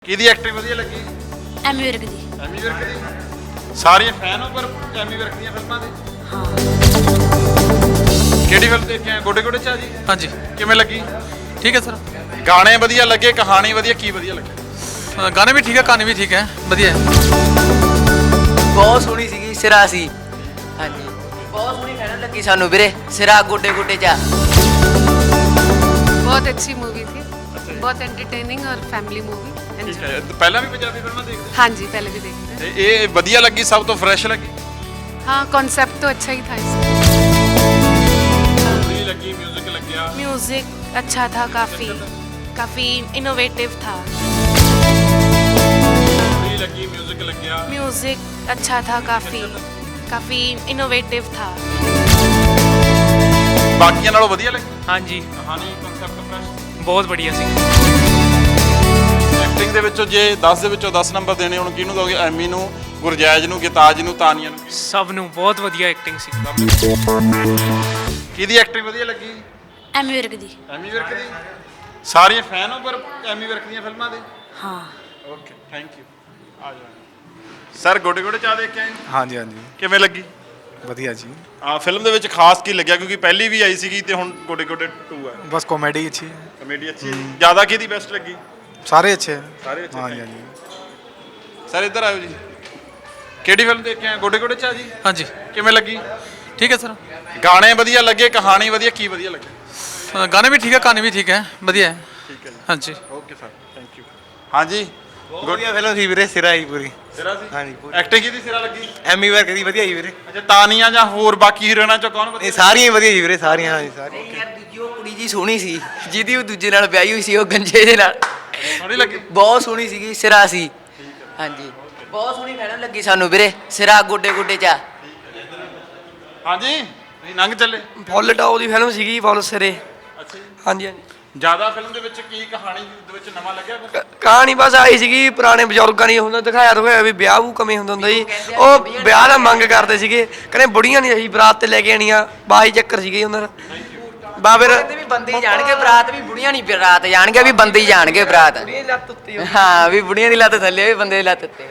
ਕਿਹਦੀ ਐਕਟਿੰਗ ਵਧੀਆ ਲੱਗੀ? ਐਮੀ ਵਿਰਕ ਦੀ। ਐਮੀ ਵਿਰਕ ਦੀ ਸਾਰੀਆਂ ਫੈਨ ਹੋ ਪਰ ਐਮੀ ਵਿਰਕ ਦੀਆਂ ਫਿਲਮਾਂ ਦੇ? ਹਾਂ। ਕਿਹੜੀ ਫਿਲਮ ਦੇਖੇ ਆ? ਗੋਡੇ ਗੋਡੇ ਚਾਹ ਜੀ। ਹਾਂਜੀ ਕਿਵੇਂ ਲੱਗੀ? ठीक है सर। ਗਾਣੇ ਵਧੀਆ ਲੱਗੇ, ਕਹਾਣੀ ਵਧੀਆ, ਕੀ ਵਧੀਆ ਲੱਗੇ? गाने भी ठीक है, कहानी भी ठीक है, बढ़िया है। ਬਹੁਤ ਸੋਹਣੀ ਸੀਗੀ, ਸਿਰਾ ਸੀ। ਹਾਂਜੀ ਬਹੁਤ ਸੋਹਣੀ ਕਹਿਣ ਲੱਗੀ ਸਾਨੂੰ ਵੀਰੇ, ਸਿਰਾ ਗੋਡੇ ਗੋਡੇ ਚਾ। बहुत अच्छी मूवी थी, बहुत एंटरटेनिंग और फैमिली मूवी। ਠੀਕ ਹੈ। ਪਹਿਲਾਂ ਵੀ ਪੰਜਾਬੀ ਫਿਲਮਾਂ ਦੇਖਦੇ? हाँ जी, पहले भी देखते ਤੇ ਇਹ ਵਧੀਆ ਲੱਗੀ, ਸਭ ਤੋਂ ਫਰੈਸ਼ ਲੱਗੀ? हैं। हाँ, कॉन्सेप्ट तो अच्छा ही था इसका। ਸਟੋਰੀ ਲੱਗੀ, 뮤직 ਲੱਗਿਆ? म्यूजिक अच्छा था, काफी इनोवेटिव था। ਸਟੋਰੀ ਲੱਗੀ, 뮤직 ਲੱਗਿਆ? म्यूजिक अच्छा था, काफी इनोवेटिव था। ਬਾਕੀਆਂ ਨਾਲੋਂ ਵਧੀਆ ਲੱਗੀ? हाँ जी, ਕਹਾਣੀ, ਕਨਸੈਪਟ ਫਰੈਸ਼? बहुत बढ़िया सी। ਐਕਟਿੰਗ ਦੇ ਵਿੱਚੋਂ ਜੇ 10 ਦੇ ਵਿੱਚੋਂ 10 ਨੰਬਰ ਦੇਣੇ ਹੁਣ ਕਿਹਨੂੰ ਦੋਗੇ? ਐਮੀ ਨੂੰ, ਗੁਰਜੈਜ ਨੂੰ, ਗਿਤਾਜ ਨੂੰ, ਤਾਨੀਆ ਨੂੰ? सब नू बहुत बढ़िया एक्टिंग सी। ਕਿਹਦੀ ਐਕਟਿੰਗ ਵਧੀਆ ਲੱਗੀ? ਐਮੀ ਵਿਰਕ ਦੀ। ਐਮੀ ਵਿਰਕ ਦੀ ਸਾਰੀਆਂ ਫੈਨ ਹੋ ਪਰ ਐਮੀ ਵਿਰਕ ਦੀਆਂ ਫਿਲਮਾਂ ਦੇ? ਹਾਂ। Okay, thank you. ਆ ਜਾਓ ਸਰ। ਗੋਡੇ ਗੋਡੇ ਚਾਹ ਦੇਖ ਕੇ ਆਏ? ਹਾਂਜੀ ਹਾਂਜੀ ਕਿਵੇਂ ਲੱਗੀ? ਵਧੀਆ ਜੀ। ਆ ਫਿਲਮ ਦੇ ਵਿੱਚ ਖਾਸ ਕੀ ਲੱਗਿਆ? ਕਿਉਂਕਿ ਪਹਿਲੀ ਵੀ ਆਈ ਸੀਗੀ ਤੇ ਹੁਣ ਗੋਡੇ ਗੋਡੇ 2 ਹੈ। ਬਸ ਕਾਮੇਡੀ ਅੱਛੀ ਹੈ, ਕਮੇਡੀ ਅੱਛੀ ਹੈ। ਜ਼ਿਆਦਾ ਕਿਹਦੀ ਬੈਸਟ ਲੱਗੀ? ਸਾਰੇ ਅੱਛੇ ਹੈ। ਸਾਰੇ ਅੱਛੇ, ਹਾਂਜੀ thank ਹਾਂਜੀ। ਸਰ ਇੱਧਰ ਆਇਓ ਜੀ। ਕਿਹੜੀ ਫਿਲਮ ਦੇਖ ਕੇ ਆਏ? ਗੋਡੇ ਗੋਡੇ ਚਾਹ ਜੀ। हाँ जी, ਕਿਵੇਂ ਲੱਗੀ? ठीक है सर। ਗਾਣੇ ਵਧੀਆ ਲੱਗੇ, ਕਹਾਣੀ ਵਧੀਆ, ਕੀ ਵਧੀਆ ਲੱਗੇ? गाने भी ठीक है, कहानी भी ठीक है, बढ़िया है। ਠੀਕ ਹੈ ਜੀ। हाँ जी। Okay sir, thank you. ਹਾਂਜੀ, ਵਧੀਆ ਫਿਲਮ ਸੀ ਵੀਰੇ, ਸਿਰਾ ਹੀ ਪੂਰੀ। ਸਿਰਾ ਸੀ? ਹਾਂਜੀ, ਪੂਰੀ। ਐਕਟਿੰਗ ਕਿਹਦੀ ਸਿਰਾ ਲੱਗੀ? ਐਮੀ ਵਰਕ ਦੀ ਵਧੀਆ ਜੀ ਵੀਰੇ। ਅੱਛਾ, ਤਾਨੀਆ ਜਾਂ ਹੋਰ ਬਾਕੀ ਹੀਰੋਇਨਾਂ ਚੋਂ ਕੌਣ ਵਧੀਆ? ਇਹ ਸਾਰੀਆਂ ਹੀ ਵਧੀਆ ਜੀ ਵੀਰੇ, ਸਾਰੀਆਂ। ਹਾਂਜੀ ਸਾਰੀਆਂ। ਯਾਰ ਦੂਜੀ ਉਹ ਕੁੜੀ ਜੀ ਸੋਹਣੀ ਸੀ, ਜਿਹਦੀ ਉਹ ਦੂਜੇ ਨਾਲ ਵਿਆਹੀ ਹੋਈ ਸੀ, ਉਹ ਗੰਜੇ ਦੇ ਨਾਲ। ਸੋਹਣੀ ਲੱਗੀ? ਬਹੁਤ ਸੋਹਣੀ ਸੀਗੀ, ਸਿਰਾ ਸੀ। ਹਾਂਜੀ ਬਹੁਤ ਸੋਹਣੀ ਕਹਿਣ ਲੱਗੀ ਸਾਨੂੰ ਵੀਰੇ, ਸਿਰਾ ਗੋਡੇ ਗੋਡੇ ਚਾ। ਹਾਂਜੀ, ਨਹੀਂ ਲੰਘ ਚੱਲੇ। ਫੁੱਲ ਟੌਪ ਦੀ ਫਿਲਮ ਸੀਗੀ, ਫੁੱਲ ਸਿਰੇ। ਅੱਛਾ ਜੀ। ਹਾਂਜੀ ਹਾਂਜੀ। ਜ਼ਿਆਦਾ ਫਿਲਮ ਦੇ ਵਿੱਚ ਕੀ ਕਹਾਣੀ ਦੇ ਵਿੱਚ ਨਵਾਂ ਲੱਗਿਆ ਕੁਛ? ਕਹਾਣੀ ਬਸ ਆਈ ਸੀਗੀ, ਪੁਰਾਣੇ ਬਜ਼ੁਰਗਾਂ ਦੀ ਹੁੰਦਾ ਦਿਖਾਇਆ ਵੀ ਵਿਆਹ ਵੂ ਕਮੇ ਹੁੰਦਾ ਜੀ। ਉਹ ਵਿਆਹ ਦਾ ਮੰਗ ਕਰਦੇ ਸੀਗੇ, ਕਹਿੰਦੇ ਬੁੜੀਆਂ ਨਹੀਂ ਅਸੀਂ ਬਰਾਤ ਤੇ ਲੈ ਕੇ ਆਣੀਆਂ, ਬਾਈ ਚੱਕਰ ਸੀਗੇ ਉਹਨਾਂ ਦਾ। ਬਾ ਫਿਰ ਕਹਿੰਦੇ ਵੀ ਬੰਦੇ ਹੀ ਜਾਣਗੇ ਬਰਾਤ, ਵੀ ਬੁੜੀਆਂ ਨਹੀਂ ਬਰਾਤ ਜਾਣਗੇ, ਵੀ ਬੰਦੇ ਹੀ ਜਾਣਗੇ ਬਰਾਤ। ਲੱਤ ਉੱਤੇ ਹਾਂ, ਵੀ ਬੁੜੀਆਂ ਦੀ ਲੱਤ ਥੱਲੇ, ਵੀ ਬੰਦੇ ਦੀ ਲੱਤ ਉੱਤੇ।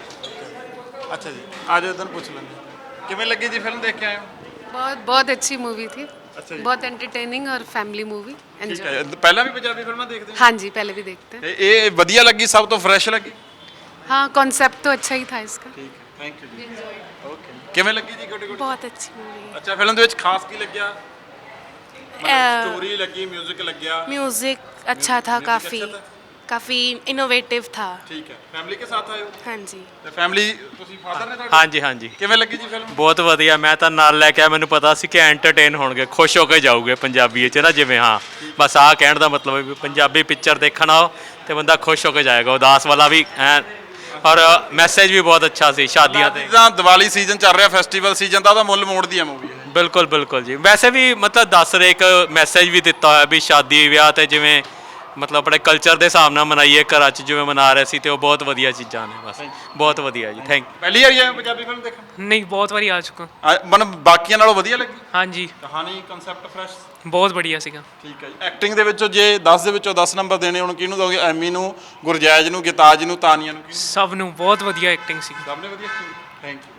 ਅੱਛਾ ਜੀ, ਆ ਜਾਓ ਇੱਧਰ ਪੁੱਛ ਲੈਂਦੇ। ਕਿਵੇਂ ਲੱਗੀ ਜੀ ਫਿਲਮ ਦੇਖ ਕੇ ਆਏ ਹੋ? बहुत अच्छी मूवी थी, अच्छा जी। बहुत एंटरटेनिंग और फैमिली मूवी। ਠੀਕ एंजॉय। ਹੈ। ਪਹਿਲਾਂ ਵੀ ਪੰਜਾਬੀ ਫਿਲਮਾਂ ਦੇਖਦੇ ਹੋ? हाँ जी, पहले भी देखते हैं। ਤੇ ਇਹ ਵਧੀਆ ਲੱਗੀ, ਸਭ ਤੋਂ ਫਰੈਸ਼ ਲੱਗੀ? हाँ, कॉन्सेप्ट तो अच्छा ही था इसका। ਠੀਕ ਹੈ, ਥੈਂਕ ਯੂ ਜੀ। ਓਕੇ, ਕਿਵੇਂ ਲੱਗੀ ਜੀ ਗੋਡੇ ਗੋਡੇ? ਬਹੁਤ ਅੱਛੀ मूवी ਅੱਛਾ, ਫਿਲਮ ਦੇ ਵਿੱਚ ਖਾਸ ਕੀ ਲੱਗਿਆ? है। ਸਟੋਰੀ ਲੱਗੀ, 뮤직 ਲੱਗਿਆ? म्यूजिक अच्छा था, Music अच्छा था? काफी इनोवेटिव था। ਠੀਕ ਹੈ। ਫੈਮਿਲੀ ਕੇ ਸਾਥ ਆਏ ਹੋ? हाँ जी। ਤੇ ਫੈਮਿਲੀ ਤੁਸੀਂ ਫਾਦਰ ਨੇ ਤੁਹਾਡੇ? ਹਾਂਜੀ ਹਾਂਜੀ, ਕਿਵੇਂ ਲੱਗੀ ਜੀ ਫਿਲਮ? ਬਹੁਤ ਵਧੀਆ। ਮੈਂ ਤਾਂ ਨਾਲ ਲੈ ਕੇ ਆਇਆ, ਮੈਨੂੰ ਪਤਾ ਸੀ ਕਿ ਐਂਟਰਟੇਨ ਹੋਣਗੇ, ਖੁਸ਼ ਹੋ ਕੇ ਜਾਊਗੇ ਪੰਜਾਬੀ 'ਚ ਨਾ, ਜਿਵੇਂ। ਹਾਂ, ਬਸ ਆਹ ਕਹਿਣ ਦਾ ਮਤਲਬ ਹੈ ਵੀ ਪੰਜਾਬੀ ਪਿਕਚਰ ਦੇਖਣ ਆਓ ਤੇ ਬੰਦਾ ਖੁਸ਼ ਹੋ ਕੇ ਜਾਏਗਾ। ਉਦਾਸ ਵਾਲਾ ਵੀ ਐ, ਔਰ ਮੈਸੇਜ ਵੀ ਬਹੁਤ ਅੱਛਾ ਸੀ ਸ਼ਾਦੀਆਂ ਤੇ। ਜਿੱਦਾਂ ਦੀਵਾਲੀ ਸੀਜ਼ਨ ਚੱਲ ਰਿਹਾ, ਫੈਸਟੀਵਲ ਸੀਜ਼ਨ ਦਾ, ਉਹਦਾ ਮੁੱਲ ਮੋੜਦੀ ਆ ਮੂਵੀ। ਬਿਲਕੁਲ ਬਿਲਕੁਲ ਜੀ। ਵੈਸੇ ਵੀ ਮਤਲਬ ਦੱਸ ਰਹੇ, ਇੱਕ ਮੈਸੇਜ ਵੀ ਦਿੱਤਾ ਹੋਇਆ ਵੀ ਸ਼ਾਦੀ ਵਿਆਹ ਤੇ ਜਿਵੇਂ ਮਤਲਬ ਆਪਣੇ ਕਲਚਰ ਦੇ ਹਿਸਾਬ ਨਾਲ ਮਨਾਈਏ, ਘਰਾਂ 'ਚ ਜਿਵੇਂ ਮਨਾ ਰਹੇ ਸੀ, ਤੇ ਉਹ ਬਹੁਤ ਵਧੀਆ ਚੀਜ਼ਾਂ ਨੇ। ਬਸ ਬਹੁਤ ਵਧੀਆ ਜੀ, ਥੈਂਕ ਪਹਿਲੀ ਵਾਰੀ ਆਏ ਹੋ ਪੰਜਾਬੀ ਫਿਲਮ ਦੇਖਣ? नहीं, बहुत बारी आ चुका। ਮਨ ਬਾਕੀਆਂ ਨਾਲੋਂ ਵਧੀਆ ਲੱਗੀ? हाँ जी, ਕਹਾਣੀ, ਕਨਸੈਪਟ ਫਰੈਸ਼? बहुत बढ़िया सीगा। ਠੀਕ ਹੈ ਜੀ। ਐਕਟਿੰਗ ਦੇ ਵਿੱਚੋਂ ਜੇ 10 ਦੇ ਵਿੱਚੋਂ 10 ਨੰਬਰ ਦੇਣੇ ਹੁਣ ਕਿਹਨੂੰ ਦੋਗੇ? ਐਮੀ ਨੂੰ, ਗੁਰਜੈਜ ਨੂੰ, ਗਿਤਾਜ ਨੂੰ, ਤਾਨੀਆ ਨੂੰ? सब नू बहुत बढ़िया एक्टिंग सी। ਸਭ ਨੇ ਵਧੀਆ? Thank you.